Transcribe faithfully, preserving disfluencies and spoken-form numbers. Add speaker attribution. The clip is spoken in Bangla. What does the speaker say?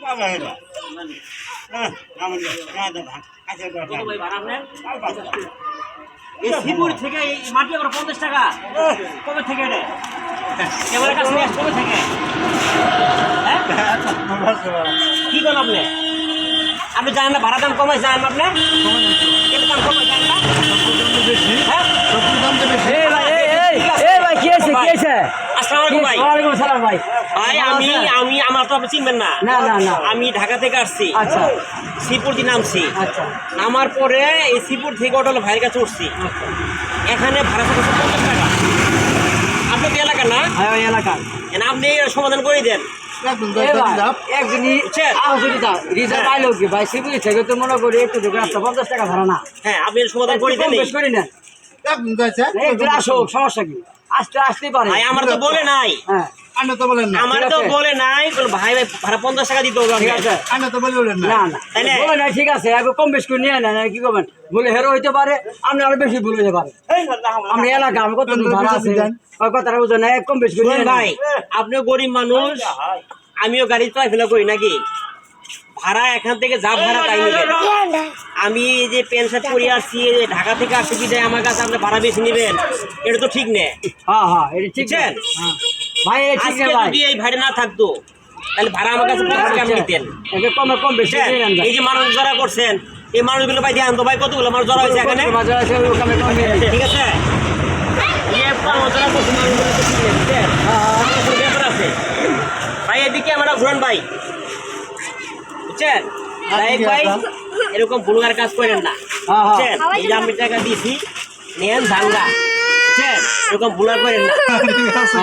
Speaker 1: এই শ্রীপুর থেকে এই মাটি আমরা পঞ্চাশ টাকা কবে থেকে এটা এবারে কাছে নিয়ে কবে থেকে হ্যাঁ কি করেন আপনি আপনি জানেন না ভাড়া দাম কমাই জানেন আপনি এর দাম কমাই জানেন না হ্যাঁ আমি আমি আমার তো আপনি চিনবেন না আমি ঢাকা থেকে আসছি শ্রীপুর দিয়ে নামছি নামার পরে এই শ্রীপুর থেকে অটো ভাইয়ের কাছে উঠছি এখানে ভাড়া পড়ছে পঞ্চাশ টাকা আপনার এলাকা না এলাকা আপনি সমাধান করে দেন হ্যাঁ আপনি সমাধান করে দেন
Speaker 2: সমস্যা কি আসতে আসতেই পারে
Speaker 1: আমার তো বলে নাই আমার তো বলে নাই ভাই ভাই ভাড়া পঞ্চাশ টাকা দিতে হবে
Speaker 2: ঠিক আছে কম বেশ করে নিয়ে নেন কি করবেন বলে হেরো হইতে পারে আপনি আরো বেশি ভুল হতে পারে আপনি এলাকা আমি কত ভাড়া আছে কথাটা বুঝেন কম বেশ করে
Speaker 1: ভাই আপনিও গরিব মানুষ আমিও গাড়ি চলাফেরা করি নাকি ভাড়া এখান থেকে যা ভাড়া তাই নেবেন আমি যে প্যান্ট শার্ট পরে আসছি ঢাকা থেকে আসছি কি আমার কাছে আপনি ভাড়া বেশি নেবেন এটা তো ঠিক নেই
Speaker 2: হ্যাঁ হ্যাঁ এটা ঠিক ভাই
Speaker 1: যদি এই ভাড়া না থাকতো তাহলে ভাড়া আমার কাছে পঞ্চাশ টাকা নিতেন
Speaker 2: কমে কম বেশি
Speaker 1: এই যে মানুষ জড়া করছেন এই মানুষগুলো ভাই ধ্যান তো ভাই কতগুলো মানুষ জড়া হয়েছে এখানে ঠিক আছে ভাই এদিকে আমরা ঘুরান ভাই বুঝছেন ভাই এরকম ভুলগার কাজ করেন না বুঝছেন এই যে আমি টাকা দিয়েছি নেন ভাঙ্গা বুঝছেন এরকম ভুলগার করেন না